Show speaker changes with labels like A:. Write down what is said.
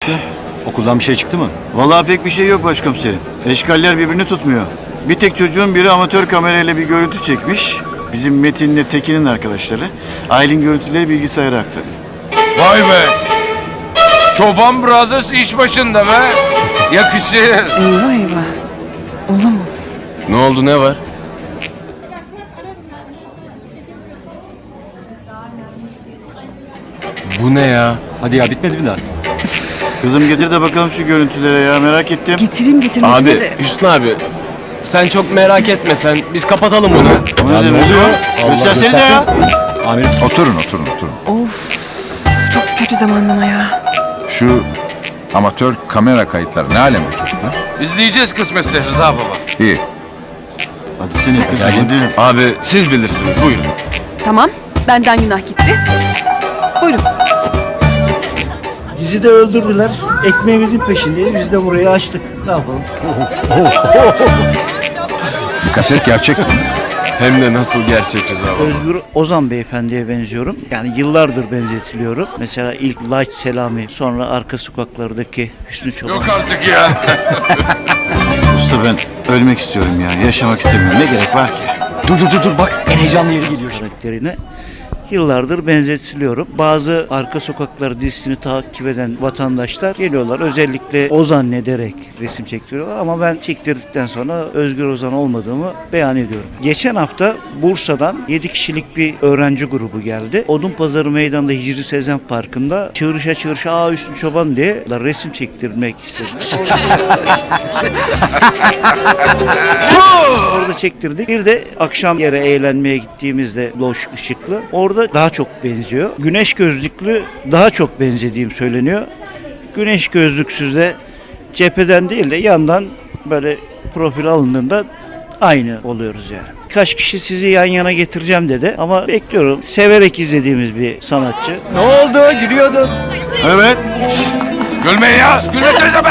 A: Nasıl? Okuldan bir şey çıktı mı?
B: Vallahi pek bir şey yok başkomiserim. Eşkaller birbirini tutmuyor. Bir tek çocuğun biri amatör kamerayla bir görüntü çekmiş. Bizim Metin'le Tekin'in arkadaşları. Aylin görüntüleri bilgisayara aktarıyor.
C: Vay be! Çoban Brothers iş başında be! Yakışır.
D: Eyvah eyvah. Olamaz.
C: Ne oldu, ne var? Bu ne ya?
A: Hadi ya, bitmedi mi daha?
B: Kızım getir de bakalım şu görüntülere ya, merak ettim.
D: Getireyim getirmesine
C: Abi,
D: de.
C: Hüsnü abi. Sen çok merak etme sen. Biz kapatalım bunu.
B: O ne demek ya? Göstersenize ya.
A: Amirim.
E: Oturun.
D: Of. Çok kötü zamanlama ya.
E: Şu amatör kamera kayıtları ne alem bu çocuklar?
C: İzleyeceğiz kısmetse Rıza baba.
E: İyi.
B: Hadi seni kızım hadi.
C: Abi siz bilirsiniz, buyurun.
D: Tamam. Benden günah gitti. Buyurun.
F: Bizi de öldürdüler. Ekmeğimizin peşindeyiz. Biz de burayı açtık. Ne yapalım?
E: Bu kaset gerçek mi?
C: Hem de nasıl gerçek Rıza baba.
F: Özgür Ozan beyefendiye benziyorum. Yani yıllardır benzetiliyorum. Mesela ilk Light Selami, sonra arka sokaklardaki Hüsnü Çoban
C: Yok artık ya.
B: Usta ben ölmek istiyorum ya. Yaşamak istemiyorum. Ne gerek var ki?
A: Dur bak, en heyecanlı yeri geliyor şimdi.
F: karakterine yıllardır benzetiliyorum. Bazı arka sokaklar dizisini takip eden vatandaşlar geliyorlar. Özellikle Ozan ederek resim çektiriyorlar ama ben çektirdikten sonra Özgür Ozan olmadığımı beyan ediyorum. Geçen hafta Bursa'dan 7 kişilik bir öğrenci grubu geldi. Odunpazarı Meydanı'nda Hicri Sezen Parkı'nda çığırışa "Aa Hüsnü Çoban" diye resim çektirmek istediler. Orada çektirdik. Bir de akşam yere eğlenmeye gittiğimizde loş ışıklı. Orada daha çok benziyor. Güneş gözlüklü daha çok benzediğim söyleniyor. Güneş gözlüksüz de cepheden değil de yandan böyle profil alındığında aynı oluyoruz yani. Birkaç kişi sizi yan yana getireceğim dedi ama bekliyorum. Severek izlediğimiz bir sanatçı.
A: Ne oldu? Gülüyordun.
B: Evet.
C: Gülmeyin ya. Gülmesenize be.